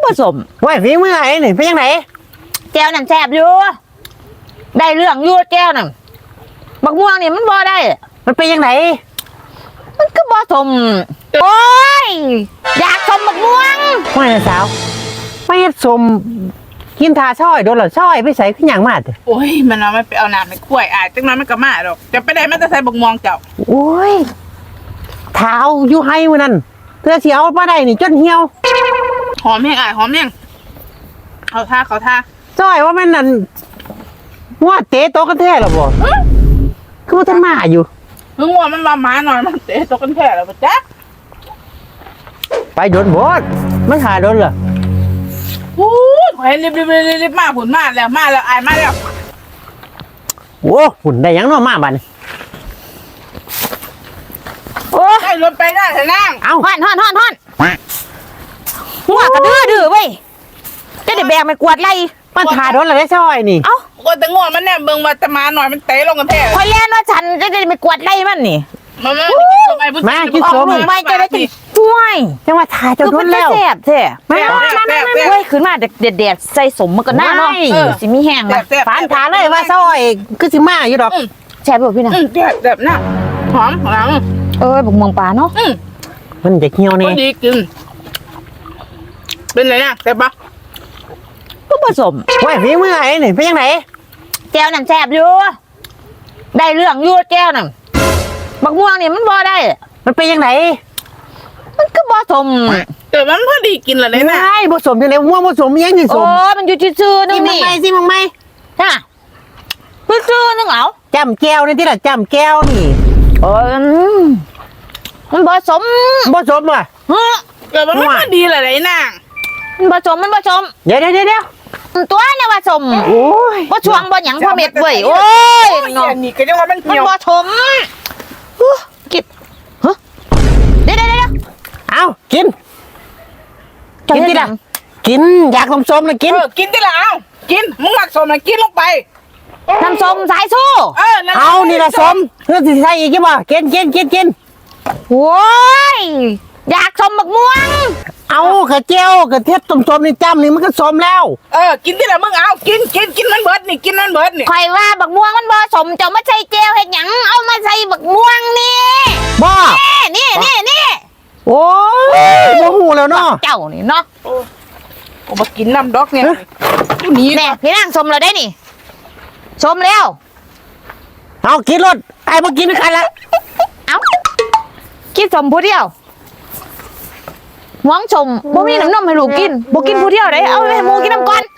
ผสมว่าฝีมือไอ้นี่เป็นยังไงแก้วนั่นแซ่บอยู่ได้เรื่องอยู่แก้วนั่นบักม่วงนี่มันบ่ได้มันเป็นยังไงมันก็ผสมโอ้ยอยากชมบักม่วงว่าสาวไม่สมกินทาช่อยโดนหรอช่อยไปใส่ขึ้นอย่างมากโอ้ยมันเอาไม่ไปเอาน้ำไปกล้วยจังนั้นมันก็มาดอกจะไปได้มันจะใส่บกม่วงเจ้าโอ้ยเท้าอยู่ให้มันนั่นเธอเสียวมาได้นี่จนเหี่ยวหอมแห้งหอมแห้งเขาท่าช่อยว่ามันนั่นว่าเตะโต๊ะกันแท้หรอบ่คือว่าท่านมาอยู่มึงว่ามันมาหมาหน่อยมันเตะตกกันแท้แล้วปะจ๊ะไปโดนบดมันหาโดนเหรอโอ้ยเห็นรีบมาผุนมาแล้วมาแล้วโอ้หุ่นได้ยังน้อมาบันโอ้ให้รถไปได้เถอะนางเอาฮ้อนหัวกระดื้อเว้ยจะได้แบกไม่กวาดไรมันหาโดนอะไรช่อยนี่เอ้าก็แต่งวมันเนี่ยเบิ่งมาจะมาหน่อยมันเตะลงกันแท้คอยเล่นว่าฉันจะได้ไม่กวาดไรมันนี่มากินสมไม่จะได้ช่วยจังว่าทาจนโดนแล้วแซ่บแท้เว้ยขึ้นมาเด็ดใส่สมมันก็น่าเนาะสิมีแห้งมาฝานทาเลยว่าช่อยคือสิมาอยู่ดอกแซ่บแบบพี่น่ะแบบน่ะหอมหลังบุกเมืองปลาเนาะมันจะเหี่ยวนี่ดีกินเป็นไรนะแซ่บปะก็ผสมว่าฝีมือไอ้นี่เป็นยังไงแก้วนั่นแซ่บอยู่ได้เรื่องอยู่แก้วนั่นบักม่วงนี่มันบ่ได้มันเป็นยังไงมันก็ผสมแต่มันพอดีกินละเลยนะใช่ผสมยังไงม่วงผสมยังสิสมมันอยู่ซื่อๆนึงนี่สิมึงไม่ฮะซื่อๆนึงเหรอจำแก้วนี่ที่ละจำแก้วนี่มันผสมว่ะแต่มันไม่ดีละเลยนะมันผสมเดี๋ยวตัวเนี่ยผสมโอ้ยบ่ช่วงบ่หยังพ่อเม็ดเว้ยโอ้ยเนาะนี่ก็ยังว่ามันเหี่ยวผสมกินเดี๋ยวเอากินที่ละกินอยากสมเลยกินที่ละเอากินมึงหมักสมเลยกินลงไปน้ำส้มสายสู้เอานี่ละสมเพื่อสิใส่อีกใช่ป่ะกินโอ้ยอยากสมบักม่วงเอากระเจียวกระเทียบสมนี่จำนี่มันก็สมแล้วกินที่ละมึงเอากินมันเบิดนี่กินมันเบิดนี่ใครว่าบักม่วงมันบ่สมจะมาใส่เจียวเห็ดหยังเอามาใส่บักม่วงนี่บ่นี่โอ้ยโมโหแล้วเนาะเจ้านี่เนาะโอ้มากินน้ำดอกเนี่ยนี่แน่พี่นางสมเราได้นี่สมแล้วเอากินรถไอ้มากินด้วยกันละเอากินสมผู้เดียวหวังชมบ่มีน้ำนมให้ลูกกินบ่กินผู้เดียวได้เอาให้หมูกินน้ำก่อน